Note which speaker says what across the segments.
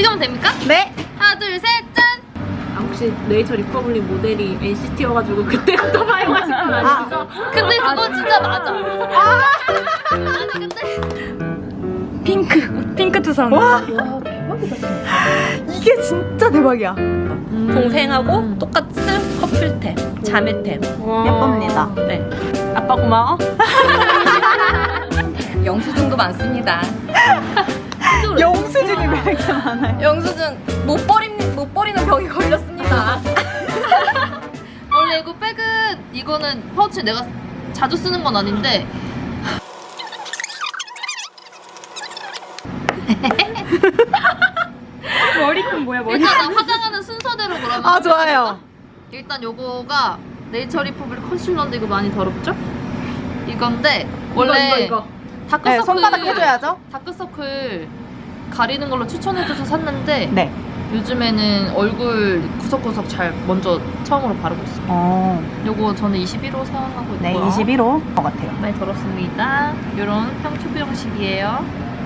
Speaker 1: 지금 됩니까?
Speaker 2: 네.
Speaker 1: 하나 둘 셋 짠!
Speaker 3: 혹시 네이처 리퍼블릭 모델이 NCT여가지고 그때부터 사용하신 건 아니죠?
Speaker 1: 근데 그거 진짜 맞아. 아니 근데
Speaker 2: 핑크 투성. 와 대박이다. 이게 진짜 대박이야.
Speaker 1: 동생하고 똑같은 커플템, 자매템.
Speaker 2: 예쁩니다.
Speaker 1: 네. 아빠 고마워.
Speaker 4: 영수증도 많습니다.
Speaker 2: 영수증이 왜 이렇게 많아요?
Speaker 4: 영수증 못 버리는 병이 걸렸습니다.
Speaker 1: 원래 이거 백은 이거는 파우치 내가 자주 쓰는 건 아닌데
Speaker 3: 머리끈 뭐야 머리?
Speaker 1: 일단 나 화장하는 순서대로 그러면
Speaker 2: 아 좋아요.
Speaker 1: 일단 요거가 네이처 리퍼블릭 컨실러인데 이거 많이 더럽죠? 이건데 원래
Speaker 3: 이거.
Speaker 1: 다크서클
Speaker 2: 네, 손바닥 해줘야죠.
Speaker 1: 다크서클 가리는 걸로 추천해줘서 샀는데
Speaker 2: 네.
Speaker 1: 요즘에는 얼굴 구석구석 잘 먼저 처음으로 바르고 있어요. 요거 저는 21호 사용하고 있고요.
Speaker 2: 네 21호 것 같아요.
Speaker 1: 많이 들었습니다. 요런 평튜브 형식이에요.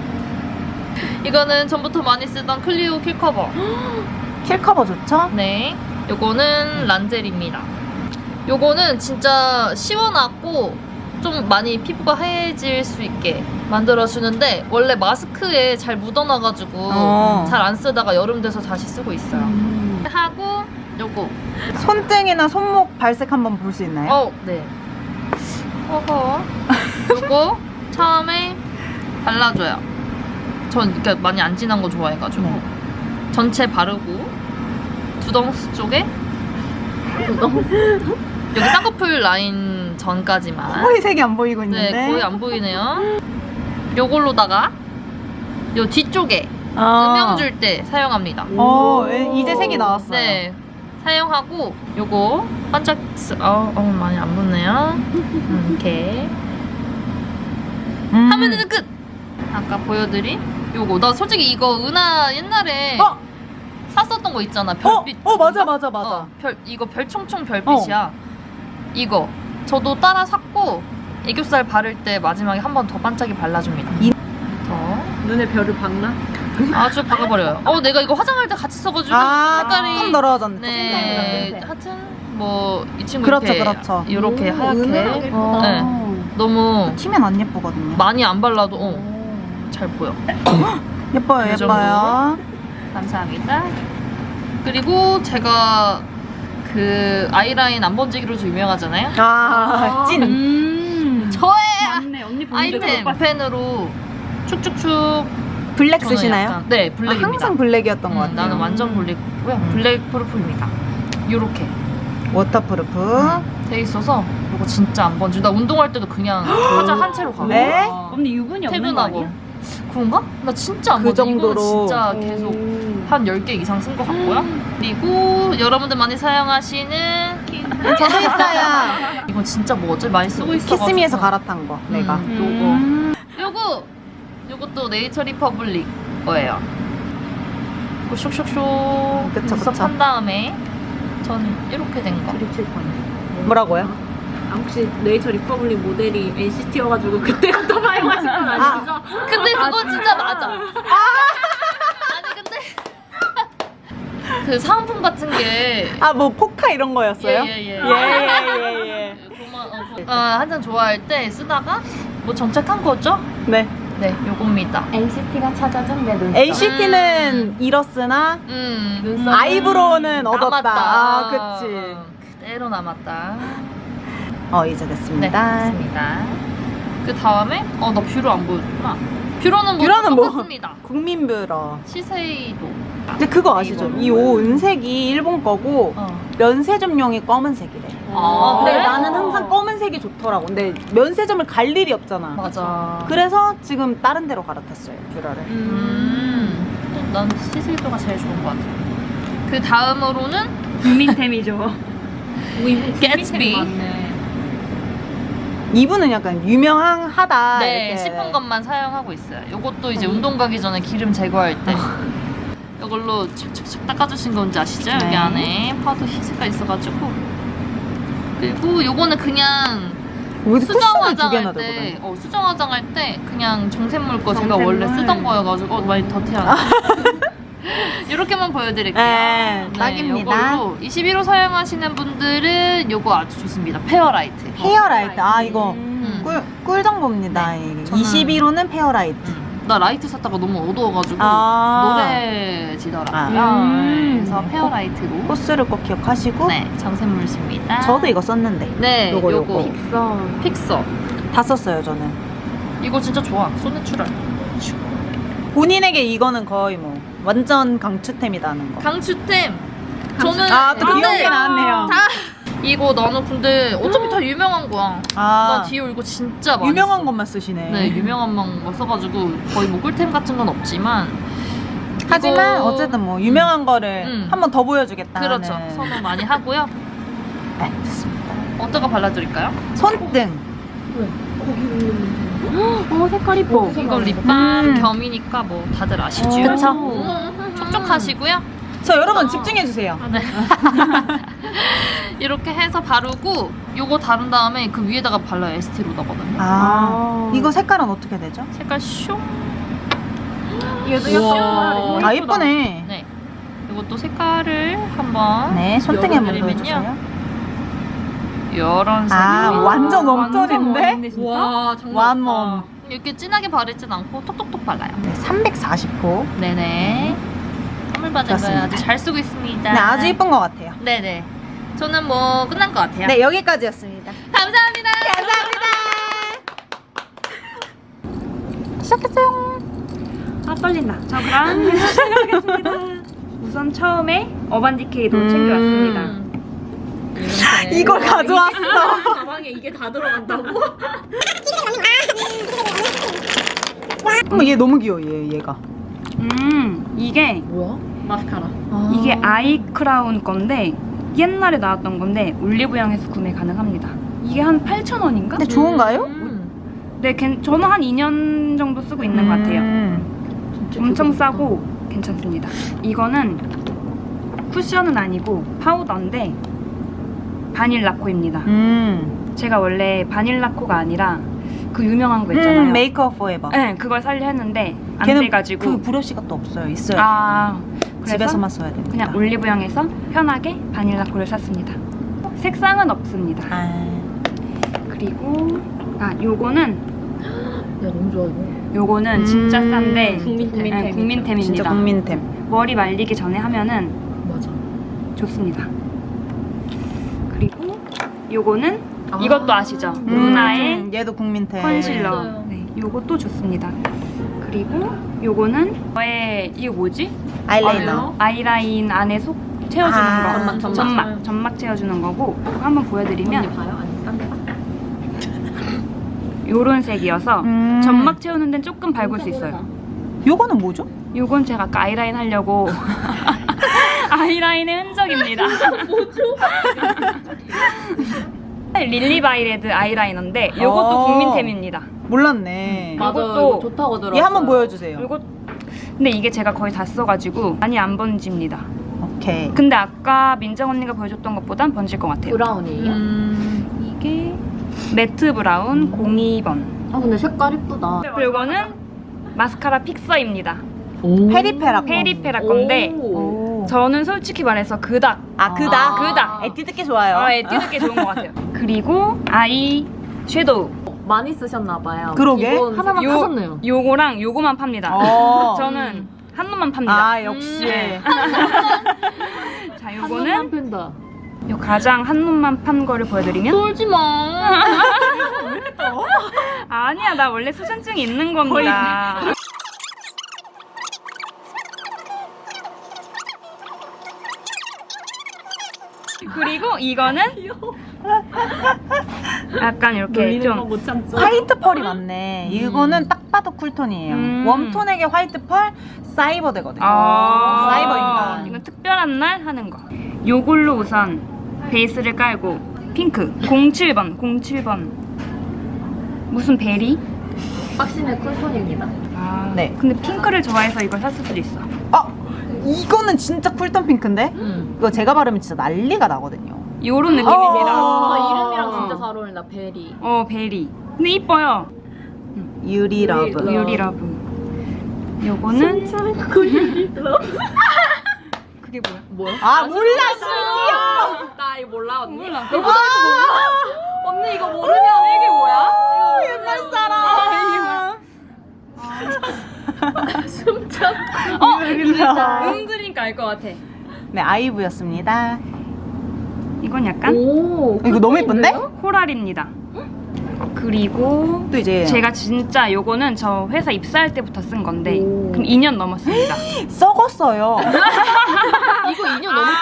Speaker 1: 이거는 전부터 많이 쓰던 클리오 킬 커버.
Speaker 2: 킬 커버 좋죠?
Speaker 1: 네. 요거는 란젤입니다. 요거는 진짜 시원하고 좀 많이 피부가 하얘질 수 있게 만들어주는데 원래 마스크에 잘 묻어나가지고 잘 안 쓰다가 여름 돼서 다시 쓰고 있어요. 하고 요거.
Speaker 2: 손등이나 손목 발색 한번 볼 수 있나요?
Speaker 1: 네. 어허. 요거 처음에 발라줘요. 전 그러니까 많이 안 진한 거 좋아해가지고
Speaker 2: 네.
Speaker 1: 전체 바르고 두덩스 쪽에 여기 쌍꺼풀 라인 전까지만.
Speaker 2: 거의 색이 안 보이고 있는데.
Speaker 1: 네, 거의 안 보이네요. 요걸로다가 요 뒤쪽에
Speaker 2: 아.
Speaker 1: 음영 줄 때 사용합니다.
Speaker 2: 이제 색이 나왔어요.
Speaker 1: 네. 사용하고 요거 반짝 많이 안 붙네요. 이렇게 하면은 끝. 아까 보여드린 요거 나 솔직히 이거 은하 옛날에 샀었던 거 있잖아. 별빛.
Speaker 2: 맞아.
Speaker 1: 이거 별총총 별빛이야. 이거 저도 따라 샀고 애교살 바를 때 마지막에 한 번 더 반짝이 발라줍니다. 더
Speaker 3: 눈에 별을 박나?
Speaker 1: 아주 박아버려요. 내가 이거 화장할 때 같이 써가지고 색깔이
Speaker 2: 조금 더러워졌네.
Speaker 1: 네, 하여튼 뭐 이 친구
Speaker 2: 그렇죠,
Speaker 1: 이렇게
Speaker 2: 그렇죠.
Speaker 1: 이렇게 하얗게
Speaker 3: 은은하게
Speaker 1: 네, 너무
Speaker 2: 튀면 안 예쁘거든요.
Speaker 1: 많이 안 발라도 잘 보여.
Speaker 2: 예뻐요,
Speaker 1: 이 정도?
Speaker 2: 예뻐요.
Speaker 1: 감사합니다. 그리고 제가 그 아이라인 안 번지기로 좀 유명하잖아요.
Speaker 2: 찐.
Speaker 1: 저의
Speaker 3: 맞네 언니 본 적이
Speaker 1: 아이템
Speaker 3: 없어.
Speaker 1: 펜으로 축축축.
Speaker 2: 블랙
Speaker 1: 저는
Speaker 2: 쓰시나요?
Speaker 1: 약간, 네, 블랙입니다.
Speaker 2: 항상 블랙이었던 것 같아요.
Speaker 1: 나는 완전 블랙이고요. 블랙 프루프입니다. 요렇게
Speaker 2: 워터프루프.
Speaker 1: 돼 있어서 이거 진짜 안 번지. 나 운동할 때도 그냥 화장 한 채로 가고
Speaker 2: 네?
Speaker 3: 언니 유분이 없는 거
Speaker 1: 퇴근하고.
Speaker 3: 아니야?
Speaker 1: 그런가? 나 진짜 안
Speaker 2: 그
Speaker 1: 번져.
Speaker 2: 정도로.
Speaker 1: 이거는 진짜 계속 한 10개 이상 쓴 것 같고요. 그리고 여러분들 많이 사용하시는
Speaker 2: 저도 있어요.
Speaker 1: 이건 진짜 뭐지? 많이 쓰고 있어.
Speaker 2: 키스미에서 갈아탄 거. 내가.
Speaker 1: 요것도 네이처 리퍼블릭 거예요. 이거 쇽쇽쇽
Speaker 2: 그쵸,
Speaker 1: 눈썹
Speaker 2: 그쵸.
Speaker 1: 한 다음에 전 이렇게 된 거.
Speaker 2: 뭐라고요?
Speaker 3: 혹시 네이처 리퍼블릭 모델이 NCT여가지고 그때부터 사용하신 건 아니죠?
Speaker 1: 근데 그거 진짜 맞아. 아니 근데 그 사은품 같은 게
Speaker 2: 뭐 포카 이런 거였어요?
Speaker 1: 예.
Speaker 2: 예.
Speaker 1: 한 잔 좋아할 때 쓰다가 뭐 정착한 거죠?
Speaker 2: 네.
Speaker 1: 네, 요겁니다.
Speaker 4: NCT가 찾아준 내 눈썹.
Speaker 2: NCT는 잃었으나 아이브로우는 얻었다.
Speaker 1: 남았다.
Speaker 2: 그치.
Speaker 1: 그대로 남았다.
Speaker 2: 이제
Speaker 1: 네,
Speaker 2: 됐습니다.
Speaker 1: 됐습니다. 그 다음에 나 뷰러 안 보여줬구나. 뷰러는
Speaker 2: 뷰러는 뭐?
Speaker 1: 똑같습니다.
Speaker 2: 국민뷰러.
Speaker 1: 시세이도.
Speaker 2: 근데 그거 아시죠? 이 옷 은색이 일본 거고 면세점용이 검은색이래. 근데
Speaker 1: 그래?
Speaker 2: 나는 항상 검은색이 좋더라고. 근데 면세점을 갈 일이 없잖아.
Speaker 1: 맞아.
Speaker 2: 그래서 지금 다른 데로 갈아탔어요, 뷰러를.
Speaker 1: 난 시세이도가 제일 좋은 것 같아. 그 다음으로는
Speaker 3: 국민템이죠.
Speaker 1: 개츠비.
Speaker 2: 이분은 약간 유명하다.
Speaker 1: 네,
Speaker 2: 이렇게.
Speaker 1: 싶은 것만 사용하고 있어요. 이것도 이제 운동 가기 전에 기름 제거할 때 이걸로 착착착 닦아주신 건지 아시죠?
Speaker 2: 네.
Speaker 1: 여기 안에 파우더 색깔 있어가지고. 그리고 요거는 그냥
Speaker 2: 여기도
Speaker 1: 수정
Speaker 2: 쿠션을 두 개나
Speaker 1: 화장할 때,
Speaker 2: 들어가네.
Speaker 1: 수정 화장할 때 그냥 정샘물 거 제가
Speaker 3: 정샘물.
Speaker 1: 원래 쓰던 거여가지고 많이 더티하네. 이렇게만 보여드릴게요.
Speaker 2: 네, 딱입니다.
Speaker 1: 요걸로 21호 사용하시는 분들은 요거 아주 좋습니다. 페어라이트.
Speaker 2: 페어라이트. 아, 이거 꿀 정보입니다.
Speaker 1: 네,
Speaker 2: 이게.
Speaker 1: 저는-
Speaker 2: 21호는 페어라이트.
Speaker 1: 나 라이트 샀다가 너무 어두워가지고
Speaker 2: 아.
Speaker 1: 노래지더라고요. 그래서 페어라이트로.
Speaker 2: 코스를 꼭 기억하시고.
Speaker 1: 네, 정샘물입니다.
Speaker 2: 저도 이거 썼는데.
Speaker 1: 네,
Speaker 2: 요거.
Speaker 1: 요거 픽서.
Speaker 2: 다 썼어요, 저는.
Speaker 1: 이거 진짜 좋아. 손내추럴.
Speaker 2: 본인에게 이거는 거의 뭐 완전 강추템이다는 거.
Speaker 1: 강추템. 저는
Speaker 2: 아, 또
Speaker 1: 근데
Speaker 2: 귀여운 게 나왔네요.
Speaker 1: 다 이거 나는 근데 어차피 다 유명한 거야. 나
Speaker 2: 아,
Speaker 1: 디올 이거 진짜 많이
Speaker 2: 유명한
Speaker 1: 써.
Speaker 2: 것만 쓰시네.
Speaker 1: 네, 유명한 거 써가지고 거의 뭐 꿀템 같은 건 없지만
Speaker 2: 하지만
Speaker 1: 이거-
Speaker 2: 어쨌든 뭐 유명한 거를 한 번 더 보여주겠다.
Speaker 1: 그렇죠. 선호 많이 하고요.
Speaker 2: 네, 됐습니다.
Speaker 1: 어떤 거 발라드릴까요?
Speaker 2: 손등.
Speaker 3: 색깔 이뻐.
Speaker 1: 이거 립밤
Speaker 2: 음.
Speaker 1: 겸이니까 뭐 다들 아시죠?
Speaker 2: 그쵸.
Speaker 1: 촉촉하시고요.
Speaker 2: 저 여러분 집중해 주세요.
Speaker 1: 네. 이렇게 해서 바르고 요거 다른 다음에 그 위에다가 발라요. 에스티로더거든요.
Speaker 2: 이거 색깔은 어떻게 되죠?
Speaker 1: 색깔 숑.
Speaker 3: 얘도
Speaker 1: 우와.
Speaker 2: 아, 예쁘네.
Speaker 1: 네. 이것도 색깔을 한번
Speaker 2: 네, 손등에 한번
Speaker 1: 열어드리면요.
Speaker 2: 보여주세요.
Speaker 1: 이런 색으로
Speaker 2: 아, 완전 웜톤인데?
Speaker 1: 와, 정말
Speaker 2: 완몸.
Speaker 1: 이렇게 진하게 바르진 않고 톡톡톡 발라요.
Speaker 2: 네, 340호.
Speaker 1: 네네. 선물 받은 거
Speaker 2: 좋습니다.
Speaker 1: 아주 잘 쓰고 있습니다.
Speaker 2: 네, 아주 예쁜 것 같아요.
Speaker 1: 네네. 저는 뭐 끝난 것 같아요.
Speaker 2: 네, 여기까지였습니다.
Speaker 1: 감사합니다.
Speaker 2: 시작했어요.
Speaker 3: 아 떨린다. 자 그럼 시작하겠습니다. 우선 처음에 어반디케이도 챙겨왔습니다.
Speaker 2: 이걸 가져왔어.
Speaker 3: 가방에 이게 다 들어간다고?
Speaker 2: 얘 너무 귀여워, 얘가.
Speaker 3: 이게
Speaker 1: 뭐야? 마스카라.
Speaker 3: 이게 아이 크라운 건데 옛날에 나왔던 건데 올리브영에서 구매 가능합니다. 이게 한 8,000원인가?
Speaker 2: 근데 좋은가요?
Speaker 3: 네, 저는 한 2년 정도 쓰고 있는 것 같아요. 엄청 싸고 괜찮습니다. 이거는 쿠션은 아니고 파우더인데 바닐라코입니다. 제가 원래 바닐라코가 아니라 그 유명한 거 있잖아요.
Speaker 2: 메이크업 포에버.
Speaker 3: 네, 그걸 살려 했는데 안
Speaker 2: 걔는
Speaker 3: 돼가지고
Speaker 2: 그 브러쉬가 또 없어요. 있어요.
Speaker 3: 아, 그래서
Speaker 2: 집에서만 써야 됩니다.
Speaker 3: 그냥 올리브영에서 편하게 바닐라코를 샀습니다. 색상은 없습니다. 그리고 요거는
Speaker 1: 야, 너무 좋아 이거.
Speaker 3: 요거는 진짜 싼데
Speaker 1: 국민템.
Speaker 3: 네, 국민템입니다.
Speaker 2: 진짜 국민템.
Speaker 3: 머리 말리기 전에 하면은
Speaker 1: 맞아.
Speaker 3: 좋습니다. 그리고 요거는 이것도 아시죠? 루나의
Speaker 2: 얘도 국민템.
Speaker 3: 컨실러.
Speaker 1: 맞아요.
Speaker 3: 네, 요것도 좋습니다. 그리고 요거는 저의 이거 뭐지?
Speaker 2: 아이라이너.
Speaker 3: 아이라인 안에 속 채워주는
Speaker 2: 아,
Speaker 3: 거.
Speaker 1: 점막.
Speaker 3: 점막 채워주는 거고. 이거 한번 보여드리면
Speaker 1: 봐요? 아니 딴 데가?
Speaker 3: 요런 색이어서 점막 채우는 데는 조금 밝을 수 있어요.
Speaker 2: 요거는 뭐죠?
Speaker 3: 요건 제가 아까 아이라인 하려고 아이라인의 흔적입니다. 뭐죠? 릴리바이레드 아이라이너인데 요것도 국민템입니다.
Speaker 2: 몰랐네.
Speaker 3: 이것도
Speaker 1: 좋다고 들어.
Speaker 2: 얘 한번 보여주세요.
Speaker 3: 요거 근데 이게 제가 거의 다 써가지고 많이 안 번집니다.
Speaker 2: 오케이.
Speaker 3: 근데 아까 민정 언니가 보여줬던 것보단 번질 것 같아요.
Speaker 4: 브라운이에요?
Speaker 3: 이게 매트 브라운 02번.
Speaker 4: 아 근데 색깔 이쁘다.
Speaker 3: 그리고 이거는 마스카라 픽서입니다.
Speaker 2: 페리페라.
Speaker 3: 페리페라 건데
Speaker 2: 오.
Speaker 3: 저는 솔직히 말해서 그닥
Speaker 2: 그다.
Speaker 3: 그닥
Speaker 2: 에뛰드 게 좋아요.
Speaker 3: 에뛰드 게 좋은 것 같아요. 그리고 아이 섀도우
Speaker 4: 많이 쓰셨나봐요.
Speaker 2: 그러게.
Speaker 4: 이건 하나만
Speaker 3: 요-
Speaker 4: 사셨네요.
Speaker 3: 요거랑 요거만 팝니다.
Speaker 2: 저는
Speaker 3: 저는 한 놈만 팝니다.
Speaker 2: 아, 역시.
Speaker 3: 자, 요거는
Speaker 4: 팬다.
Speaker 3: 요 가장 한 놈만 판 거를 보여드리면
Speaker 1: 쫄지 마.
Speaker 3: 아니야, 나 원래 수전증이 있는 겁니다. 그리고 이거는 약간 이렇게 좀
Speaker 4: 못 참죠.
Speaker 2: 화이트 펄이 많네. 이거는 딱 봐도 쿨톤이에요. 웜톤에게 화이트 펄, 사이버되거든요. 사이버 인간.
Speaker 3: 이건 특별한 날 하는 거. 요걸로 우선 베이스를 깔고 핑크 07번 무슨 베리?
Speaker 4: 박신의 쿨톤입니다.
Speaker 2: 네.
Speaker 3: 근데 핑크를 좋아해서 이걸 샀을 수도 있어.
Speaker 2: 이거는 진짜 쿨톤 핑크인데? 이거 제가 바르면 진짜 난리가 나거든요.
Speaker 3: 요런 느낌입니다.
Speaker 4: 이름이랑 진짜 잘 어울린다. 베리.
Speaker 3: 베리. 근데 이뻐요.
Speaker 2: 유리 러브.
Speaker 3: 유리 러브. 요거는 그게 뭐야?
Speaker 2: 아 몰라 심지어.
Speaker 4: 나 이거 몰라 언니.
Speaker 3: 몰라.
Speaker 4: 언니 이거 모르냐? 이게 뭐야?
Speaker 2: 옛날 사람.
Speaker 3: 들으니까 알 것 같아.
Speaker 2: 네 아이브였습니다.
Speaker 3: 이건 약간
Speaker 4: 오.
Speaker 2: 이거 너무 예쁜데?
Speaker 3: 코랄입니다. 그리고
Speaker 2: 또 이제
Speaker 3: 제가 진짜 요거는 저 회사 입사할 때부터 쓴 건데 그럼 2년 넘었습니다.
Speaker 2: 썩었어요.
Speaker 1: 이거 2년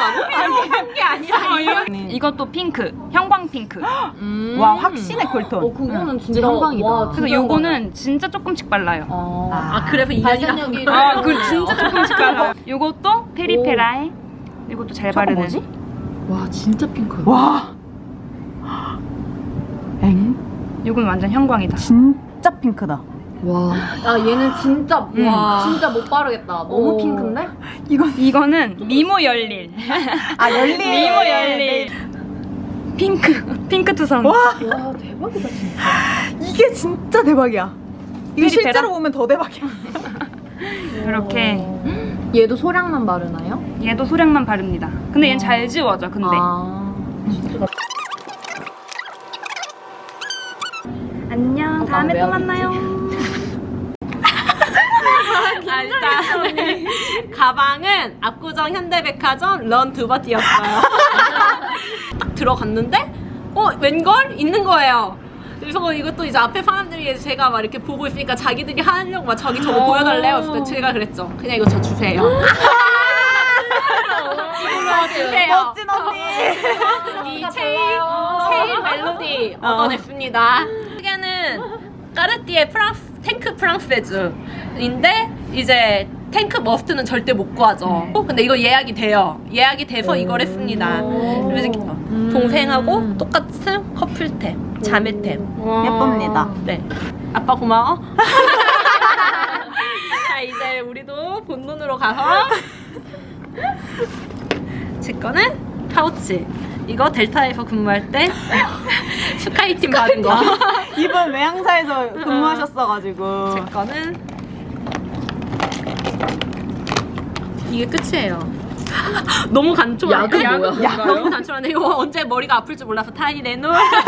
Speaker 1: 넘었다고?
Speaker 3: 이것도 핑크, 형광 핑크.
Speaker 2: 와 확신의 쿨톤.
Speaker 4: 그거는
Speaker 1: 진짜 형광이다.
Speaker 3: 그래서 요거는 진짜 조금씩 발라요.
Speaker 1: 아, 그래서 2년이라.
Speaker 3: 아, 그 진짜 조금씩 발라요. 요것도 페리페라에 이것도 잘 바르는.
Speaker 2: 뭐지?
Speaker 1: 와, 진짜 핑크.
Speaker 2: 와. 엥?
Speaker 3: 요건 완전 형광이다.
Speaker 2: 진짜 핑크다.
Speaker 1: 와.
Speaker 4: 야 얘는 진짜 진짜 못 바르겠다. 너무 핑크인데?
Speaker 3: 이거는 미모 열릴.
Speaker 2: 아 열리.
Speaker 3: 미모 열릴. 핑크 투성.
Speaker 2: 와
Speaker 1: 와, 대박이다, 진짜.
Speaker 2: 이게 진짜 대박이야. 이거
Speaker 3: 페리페라?
Speaker 2: 실제로 보면 더 대박이야.
Speaker 3: 이렇게
Speaker 4: 얘도 소량만 바르나요?
Speaker 3: 얘도 소량만 바릅니다. 근데 얘는 잘 지워져. 근데 안녕. 다음에 또 만나요.
Speaker 5: 일단 가방은 압구정 현대백화점 런 두바티였어요. 딱 들어갔는데 웬걸? 있는 거예요. 그래서 이것도 이제 앞에 사람들이 제가 막 이렇게 보고 있으니까 자기들이 하려고 막 저기 저거 보여달래요. 그래서 제가 그랬죠. 그냥 이거 저 주세요. 이거 주세요.
Speaker 2: 멋진 언니.
Speaker 5: 이 체일 멜로디 얻어냈습니다. 크게는 까르띠에 탱크 프랑세즈인데 이제 탱크 머스트는 절대 못 구하죠. 근데 이거 예약이 돼요. 예약이 돼서 이걸 했습니다. 그래서 동생하고 똑같은 커플템, 자매템.
Speaker 2: 예쁩니다.
Speaker 5: 네. 아빠 고마워. 자 이제 우리도 본론으로 가서 제 거는 파우치. 이거 델타에서 근무할 때 스카이팀 받은 거.
Speaker 2: 이번 외항사에서 근무하셨어가지고.
Speaker 5: 제 거는 이게 끝이에요. 너무 간초한데?
Speaker 1: 약은 뭐야?
Speaker 5: 너무 간초한데 이거 언제 머리가 아플 줄 몰라서 타이레놀.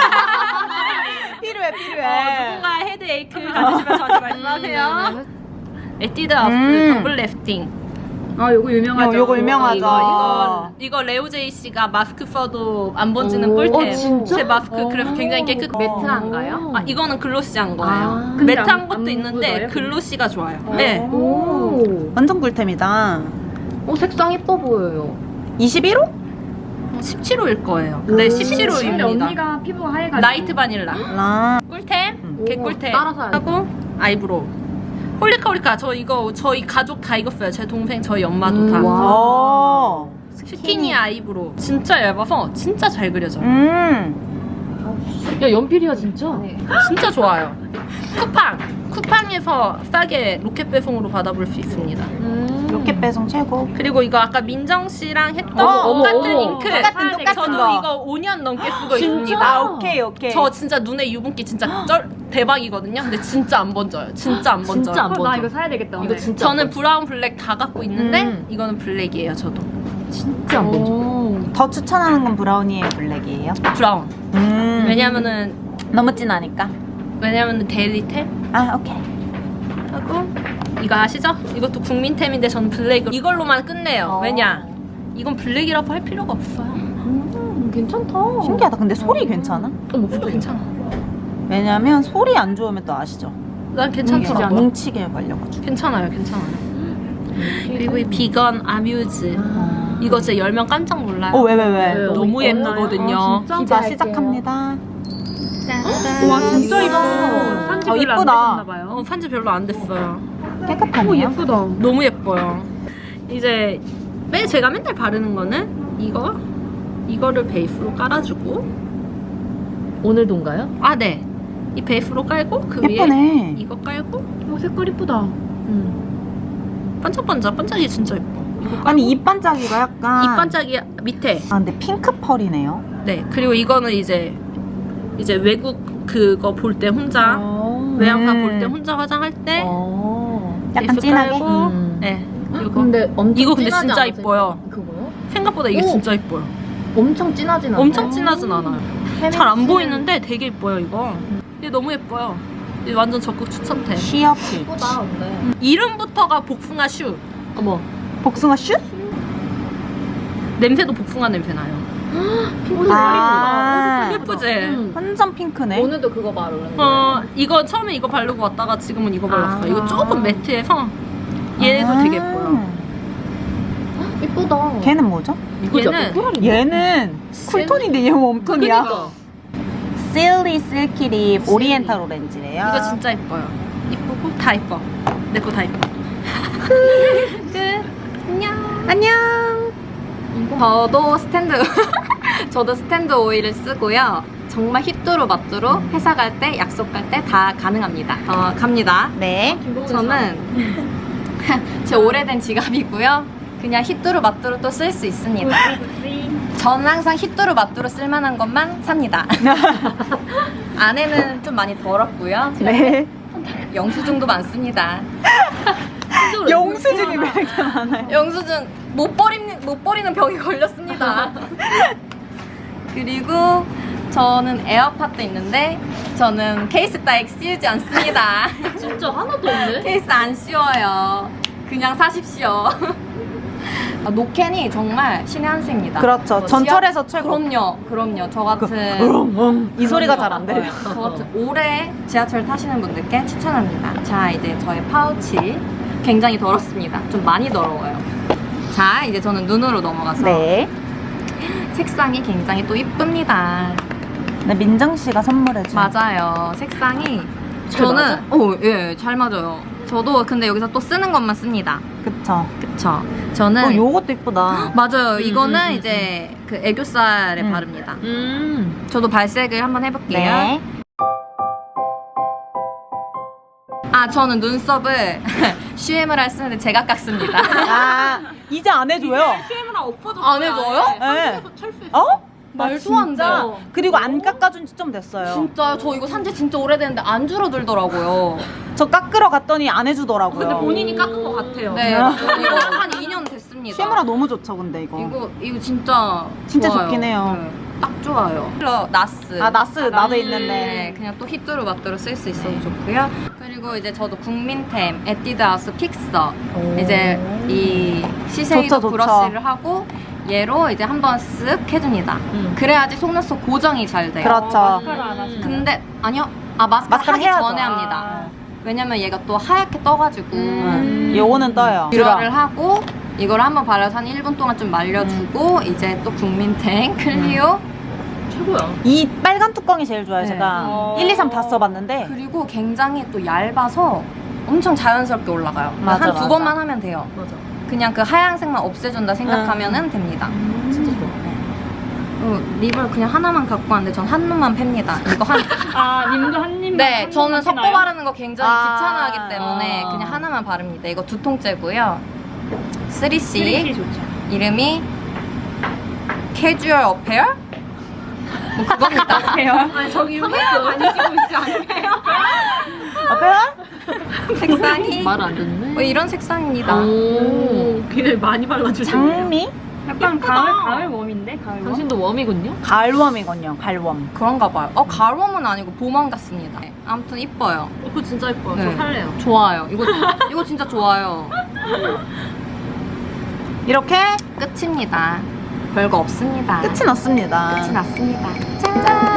Speaker 2: 필요해 필요해.
Speaker 5: 누군가 헤드에이크 가지시면 저한테 말씀하세요. 에뛰드 더블 래프팅.
Speaker 3: 요거 유명하죠.
Speaker 2: 요거 유명하죠.
Speaker 5: 이거 레오제이 씨가 마스크 써도 안 번지는 꿀템.
Speaker 1: 진짜?
Speaker 5: 제 마스크 그래서 굉장히 깨끗.
Speaker 4: 매트한가요?
Speaker 5: 아 이거는 글로시한 거예요.
Speaker 3: 근데
Speaker 5: 매트한 것도
Speaker 3: 안
Speaker 5: 있는데
Speaker 3: 묻어요?
Speaker 5: 글로시가 좋아요. 네.
Speaker 4: 오.
Speaker 2: 완전 꿀템이다.
Speaker 4: 색상 예뻐 보여요.
Speaker 2: 21호?
Speaker 5: 17호일 거예요. 네, 17호입니다.
Speaker 3: 언니가 피부가 하얘가지고.
Speaker 5: 라이트 바닐라.
Speaker 2: 라.
Speaker 5: 꿀템, 개꿀템.
Speaker 4: 따라서 해야지.
Speaker 5: 하고 아이브로우. 홀리카홀리카 저 이거 저희 가족 다 이거 써요. 제 동생 저희 엄마도 다.
Speaker 2: 오.
Speaker 5: 스키니 아이브로우. 진짜 얇아서 진짜 잘 그려져요.
Speaker 1: 야, 연필이야, 진짜.
Speaker 5: 진짜 좋아요. 쿠팡에서 싸게 로켓 배송으로 받아볼 수 있습니다.
Speaker 2: 로켓 배송 최고.
Speaker 5: 그리고 이거 아까 민정 씨랑 했던
Speaker 2: 어머,
Speaker 5: 똑같은
Speaker 1: 어머.
Speaker 5: 잉크.
Speaker 2: 똑같은
Speaker 5: 저도
Speaker 2: 거.
Speaker 5: 이거 5년 넘게 쓰고
Speaker 1: 진짜?
Speaker 5: 있습니다.
Speaker 2: 아 오케이 오케이.
Speaker 5: 저 진짜 눈에 유분기 진짜 대박이거든요. 근데 진짜 안 번져요. 진짜 안 번져요.
Speaker 1: 진짜 안 번져.
Speaker 3: 나 이거 사야 되겠다.
Speaker 1: 이거
Speaker 3: 오늘.
Speaker 1: 진짜.
Speaker 5: 저는 브라운 블랙 다 갖고 있는데 이거는 블랙이에요. 저도
Speaker 1: 진짜 안 번져.
Speaker 2: 더 추천하는 건 브라우니의 블랙이에요.
Speaker 5: 브라운. 왜냐면은
Speaker 2: 진하니까.
Speaker 5: 데일리템
Speaker 2: 아 오케이.
Speaker 5: 하고 이거 아시죠? 이것도 국민템인데 저는 블랙 이걸로만 끝내요. 왜냐? 이건 블랙이라고 할 필요가 없어요.
Speaker 1: 괜찮다.
Speaker 2: 신기하다. 근데 소리 괜찮아?
Speaker 5: 괜찮아.
Speaker 2: 왜냐면 소리 안 좋으면 또 아시죠?
Speaker 5: 난 괜찮더라고.
Speaker 2: 뭉치게 걸려가지고.
Speaker 5: 괜찮아요. 그리고 이 비건 아뮤즈. 이거 진짜 열면 깜짝 놀라요.
Speaker 2: 왜?
Speaker 5: 너무 예쁘거든요.
Speaker 2: 자 시작합니다.
Speaker 3: 와 진짜 이뻐.
Speaker 2: 어,
Speaker 3: 산지 별로 안
Speaker 2: 이쁘다.
Speaker 3: 되셨나봐요.
Speaker 5: 산지 별로 안 됐어요.
Speaker 2: 깨끗하네요.
Speaker 3: 예쁘다.
Speaker 5: 너무 예뻐요. 이제 제가 맨날 바르는 거는 이거를 베이스로 깔아주고
Speaker 1: 오늘도인가요?
Speaker 5: 네. 이 베이스로 깔고 그 위에
Speaker 2: 예쁘네.
Speaker 5: 이거 깔고
Speaker 3: 색깔 이쁘다.
Speaker 5: 반짝이 진짜 예뻐. 이거 깔고
Speaker 2: 아니 입 반짝이가 약간.
Speaker 5: 이 반짝이 밑에.
Speaker 2: 아 근데 핑크 펄이네요.
Speaker 5: 네. 그리고 이거는 이제 외국 그거 볼 때 혼자 외양사 볼 때 혼자 화장할 때
Speaker 2: 약간 진하게?
Speaker 5: 깔고, 네. 이거.
Speaker 4: 근데 엄청
Speaker 5: 이거 근데
Speaker 4: 진하지
Speaker 5: 진짜
Speaker 4: 않아요?
Speaker 5: 이뻐요.
Speaker 4: 그거요?
Speaker 5: 생각보다 이게
Speaker 4: 오.
Speaker 5: 진짜 이뻐요.
Speaker 4: 엄청 진하진 않아요.
Speaker 5: 엄청 진하진 않아요. 잘 안 보이는데 되게 이뻐요 이거. 이게 너무 예뻐요. 이게 완전 적극 추천템.
Speaker 2: 시어 피.
Speaker 4: 예쁘다 근데.
Speaker 5: 이름부터가 복숭아 슈.
Speaker 4: 어머.
Speaker 2: 복숭아 슛?
Speaker 5: 냄새도 복숭아 냄새 나요.
Speaker 2: 아,
Speaker 5: 예쁘지?
Speaker 2: 완전 핑크네.
Speaker 4: 오늘도 그거 바르는데.
Speaker 5: 이거 처음에 이거 바르고 왔다가 지금은 이거 발랐어요.
Speaker 4: 아.
Speaker 5: 이거 조금 매트해서 얘도 되게 예뻐요.
Speaker 4: 예쁘다.
Speaker 2: 걔는 뭐죠?
Speaker 5: 얘는
Speaker 2: 얘는 쿨톤인데 얘 웜톤이야.
Speaker 4: 그러니까.
Speaker 2: 실리 실키 립 오리엔탈 오렌지래요.
Speaker 5: 이거 진짜 예뻐요. 이쁘고 다 예뻐. 내 거 다 예뻐.
Speaker 2: 안녕.
Speaker 3: 저도 스탠드 오일을 쓰고요. 정말 휘뚜루마뚜루 회사 갈 때, 약속 갈 때 다 가능합니다. 갑니다.
Speaker 2: 네.
Speaker 3: 저는 제 오래된 지갑이고요. 그냥 휘뚜루마뚜루 또 쓸 수 있습니다. 저는 항상 휘뚜루마뚜루 쓸만한 것만 삽니다. 안에는 좀 많이 더럽고요.
Speaker 2: 네.
Speaker 3: 영수증도 많습니다.
Speaker 2: 영수증이 왜 이렇게 많아요?
Speaker 3: 영수증 못 버리는 병이 걸렸습니다. 그리고 저는 에어팟도 있는데 저는 케이스 따위 씌우지 않습니다.
Speaker 4: 진짜 하나도 없네.
Speaker 3: 케이스 안 씌워요. 그냥 사십시오. 노캔이 정말 신의 한 수입니다.
Speaker 2: 그렇죠. 전철에서 최고.
Speaker 3: 그럼요. 저 같은
Speaker 2: 이 소리가 잘 안 들려.
Speaker 3: 저 같은 오래 지하철 타시는 분들께 추천합니다. 자, 이제 저의 파우치 굉장히 더럽습니다. 좀 많이 더러워요. 자, 이제 저는 눈으로 넘어가서
Speaker 2: 네.
Speaker 3: 색상이 굉장히 또 이쁩니다.
Speaker 2: 네, 민정 씨가 선물해준.
Speaker 3: 맞아요. 색상이
Speaker 4: 잘 맞아?
Speaker 3: 예, 잘 맞아요. 저도 근데 여기서 또 쓰는 것만 씁니다.
Speaker 2: 그쵸.
Speaker 3: 그쵸? 저는
Speaker 2: 요것도 이쁘다.
Speaker 3: 맞아요. 이거는 이제 그 애교살에 바릅니다. 저도 발색을 한번 해볼게요.
Speaker 2: 네.
Speaker 3: 저는 눈썹을 슈에무라 쓰는데 제가 깎습니다.
Speaker 2: 아, 이제 안 해줘요.
Speaker 3: 안 해줘요?
Speaker 2: 네. 어?
Speaker 3: 말도 안 돼요.
Speaker 2: 그리고 안 깎아준 지 좀 됐어요.
Speaker 3: 진짜요? 저 이거 산지 진짜 오래됐는데 안 줄어들더라고요.
Speaker 2: 저 깎으러 갔더니 안 해주더라고요.
Speaker 4: 근데 본인이 깎은 것 같아요.
Speaker 3: 네, 이거 한 2년 됐습니다.
Speaker 2: 쉐무라 너무 좋죠, 근데 이거.
Speaker 3: 이거 진짜
Speaker 2: 진짜
Speaker 3: 좋아요.
Speaker 2: 좋긴 해요.
Speaker 3: 네, 딱 좋아요. 나스.
Speaker 2: 아, 나스 나도
Speaker 3: 네,
Speaker 2: 있는데.
Speaker 3: 그냥 또 휘뚜루마뚜루 쓸 수 있어서 좋고요. 그리고 이제 저도 국민템 에뛰드하우스 픽서 이제 이 시세이도
Speaker 2: 좋죠.
Speaker 3: 브러쉬를 하고 얘로 이제 한번 쓱 해줍니다. 그래야지 속눈썹 고정이 잘 돼요.
Speaker 2: 그렇죠.
Speaker 3: 근데 아니요. 마스카라
Speaker 2: 마스카라
Speaker 3: 하기
Speaker 2: 해야죠.
Speaker 3: 전에 합니다. 왜냐면 얘가 또 하얗게 떠가지고
Speaker 2: 요거는 떠요.
Speaker 3: 뷰러를 하고 이걸 한번 발라서 한 1분 동안 좀 말려주고 이제 또 국민템 클리오
Speaker 4: 최고야.
Speaker 2: 이 빨간 뚜껑이 제일 좋아요.
Speaker 3: 네.
Speaker 2: 제가 1, 2, 3 다 써봤는데.
Speaker 3: 그리고 굉장히 또 얇아서 엄청 자연스럽게 올라가요.
Speaker 2: 맞아,
Speaker 3: 한 두
Speaker 2: 맞아.
Speaker 3: 번만 하면 돼요.
Speaker 4: 맞아.
Speaker 3: 그냥 그 하얀색만 없애준다 생각하면 됩니다.
Speaker 4: 진짜 좋아.
Speaker 3: 립을 그냥 하나만 갖고 왔는데 전 한 놈만 팹니다. 이거
Speaker 1: 님도 한 입만.
Speaker 3: 네, 저는 섞어 바르는 거 굉장히
Speaker 2: 아.
Speaker 3: 귀찮아하기 때문에 그냥 하나만 바릅니다. 이거 2통째고요. 3C
Speaker 1: 좋죠.
Speaker 3: 이름이 캐주얼 어페어? 뭐 그겁니다.
Speaker 4: 아니 저기 위에 다니시고 있지 않으세요?
Speaker 2: 앞에요?
Speaker 3: 색상이
Speaker 4: 말을 안 듣네.
Speaker 3: 뭐 이런 색상입니다.
Speaker 4: 오, 굉장히 많이 발라주시네요.
Speaker 2: 장미?
Speaker 1: 약간 가을 웜인데 가을 웜.
Speaker 4: 당신도 웜이군요?
Speaker 2: 가을웜이군요. 가을웜.
Speaker 3: 그런가 봐요. 가을웜은 아니고 봄웜 같습니다. 네, 아무튼 이뻐요.
Speaker 4: 이거 진짜 예뻐요.
Speaker 3: 네.
Speaker 4: 저 살래요.
Speaker 3: 좋아요. 이거 진짜 좋아요.
Speaker 2: 이렇게
Speaker 3: 끝입니다. 별거 없습니다.
Speaker 2: 끝이 났습니다.
Speaker 3: 끝이 났습니다. 짠!